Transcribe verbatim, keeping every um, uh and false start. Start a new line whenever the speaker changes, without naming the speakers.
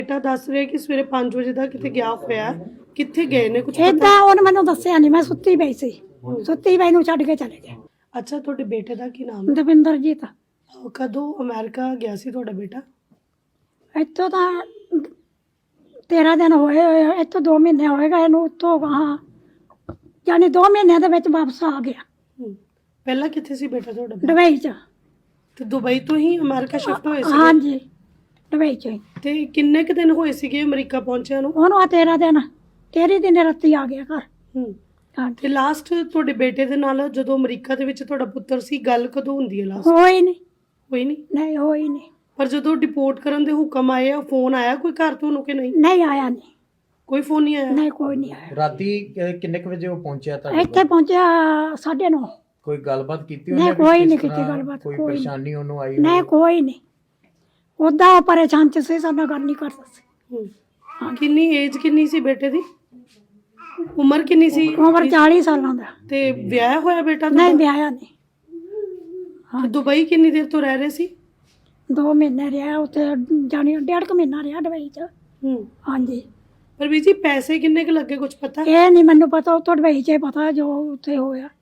बेटा दस रहे कि सवेरे पाँच बजे तक किते गया होया किथे गए ने कुछ
ਏਦਾਂ ਉਹਨੇ ਮੈਨੂੰ ਦੱਸਿਆ ਨਹੀਂ, ਮੈਂ ਸੁੱਤੀ ਪਈ ਸੀ, ਸੁੱਤੀ ਪਈ ਨੂੰ ਛੱਡ ਕੇ ਚਲੇ ਗਏ।
अच्छा ਤੁਹਾਡੇ बेटे ਦਾ ਕੀ ਨਾਮ
ਦਵਿੰਦਰਜੀਤ
ਹੈ ਕਦੋਂ ਅਮਰੀਕਾ ਗਿਆ ਸੀ ਤੁਹਾਡਾ ਬੇਟਾ?
ਇੱਥੋਂ ਤਾਂ ਤੇਰਾਂ ਦਿਨ ਹੋਏ ਹੋਏ ਆ, ਇੱਥੋਂ ਦੋ ਮਹੀਨੇ ਹੋਏਗਾ ਇਹਨੂੰ, ਉੱਥੋਂ ਗਾਹਾਂ ਯਾਨੀ ਦੋ ਮਹੀਨਿਆਂ ਦੇ ਵਿੱਚ ਵਾਪਸ ਆ ਗਿਆ।
ਹਮ, ਪਹਿਲਾਂ ਕਿੱਥੇ ਸੀ ਬੇਟਾ ਤੁਹਾਡਾ?
ਦੁਬਈ 'ਚ।
ਤੇ ਦੁਬਈ ਤੋਂ ਹੀ ਅਮਰੀਕਾ ਸ਼ਿਫਟ ਹੋਏ ਸੀ?
ਹਾਂਜੀ ਦੁਬਈ 'ਚ ਹੀ।
ਤੇ ਕਿੰਨੇ ਕੁ ਦਿਨ ਹੋਏ ਸੀਗੇ ਅਮਰੀਕਾ ਪਹੁੰਚਿਆ ਨੂੰ?
ਉਹਨੂੰ ਆ ਤੇਰਾਂ ਦਿਨ, ਤੇਰੀ ਦਿਨ ਰਾਤੀ ਆ ਗਿਆ ਘਰ।
ਹਮ,
ਹਾਂਜੀ
ਤੇ ਲਾਸਟ ਤੁਹਾਡੇ ਬੇਟੇ ਦੇ ਨਾਲ ਜਦੋਂ ਅਮਰੀਕਾ ਦੇ ਵਿੱਚ ਤੁਹਾਡਾ ਪੁੱਤਰ ਸੀ ਗੱਲ ਕਦੋਂ ਹੁੰਦੀ ਹੈ ਲਾਸਟ?
ਹੋਈ ਨਹੀਂ,
ਹੋਈ ਨਹੀਂ?
ਨਹੀਂ ਹੋਈ ਨਹੀਂ,
ਪਰ ਜਦੋਂ ਡਿਪੋਰਟ ਕਰਨ ਦੇ ਹੁਕਮ ਆਏ ਆ ਫੋਨ ਆਇਆ ਕੋਈ ਘਰ ਤੁਹਾਨੂੰ ਕਿ ਨਹੀਂ?
ਨਹੀਂ ਆਇਆ ਨਹੀਂ,
ਕੋਈ ਫੋਨ ਨਹੀਂ ਆਇਆ?
ਨਹੀਂ ਕੋਈ ਨਹੀਂ ਆਇਆ।
ਰਾਤੀ ਕਿ- ਕਿੰਨੇ ਕੁ ਵਜੇ ਉਹ ਪਹੁੰਚਿਆ ਤੁਹਾਡੇ
ਇੱਥੇ
ਕੋਲ?
ਪਹੁੰਚਿਆ ਸਾਢੇ ਨੌ।
ਕੋਈ ਗੱਲਬਾਤ ਕੀਤੀ
ਨਹੀਂ,
ਉਹਨੇ ਵੀ
ਕੋਈ
ਕਿਸ
ਨਹੀਂ
ਤਰ੍ਹਾਂ
ਕੀਤੀ ਗੱਲਬਾਤ,
ਕੋਈ
ਕੋਈ ਨਹੀਂ।
ਪਰੇਸ਼ਾਨੀ ਉਹਨੂੰ ਆਈ
ਨਹੀਂ
ਹੋਵੇ?
ਕੋਈ ਨਹੀਂ, ਉਦਾਂ ਉਹ ਪਰੇਸ਼ਾਨ ਚ ਸੀ, ਸਾਡੇ ਨਾਲ ਗੱਲ ਨਹੀਂ ਕਰਦਾ ਸੀ।
ਹਮ, ਕਿੰਨੀ ਏਜ ਕਿੰਨੀ ਸੀ ਬੇਟੇ ਦੀ? ਉਮਰ ਕਿੰਨੀ ਸੀ?
ਉਮਰ ਚਾਲੀ ਸਾਲਾਂ ਦਾ।
ਤੇ ਵਿਆਹ ਹੋਇਆ ਬੇਟਾ
ਨਹੀਂ
ਤੁਹਾਡਾ?
ਵਿਆਹਿਆ ਨਹੀਂ।
ਤੇ ਦੁਬਈ ਕਿੰਨੀ ਦੇਰ ਤੋਂ ਰਹਿ ਰਹੇ ਸੀ?
ਦੋ ਮਹੀਨੇ ਰਿਹਾ ਉੱਥੇ, ਜਾਣੀ ਡੇਢ ਕੁ ਮਹੀਨਾ ਰਿਹਾ ਦੁਬਈ 'ਚ।
ਹੂੰ,
ਹਾਂਜੀ
ਪਰ ਵੀ ਜੀ ਪੈਸੇ ਕਿੰਨੇ ਕੁ ਲੱਗੇ ਕੁਝ ਪਤਾ?
ਇਹ ਨਹੀਂ ਮੈਨੂੰ ਪਤਾ, ਉੱਥੋਂ ਦੁਬਈ 'ਚ ਹੀ ਪਤਾ ਜੋ ਉੱਥੇ ਹੋਇਆ।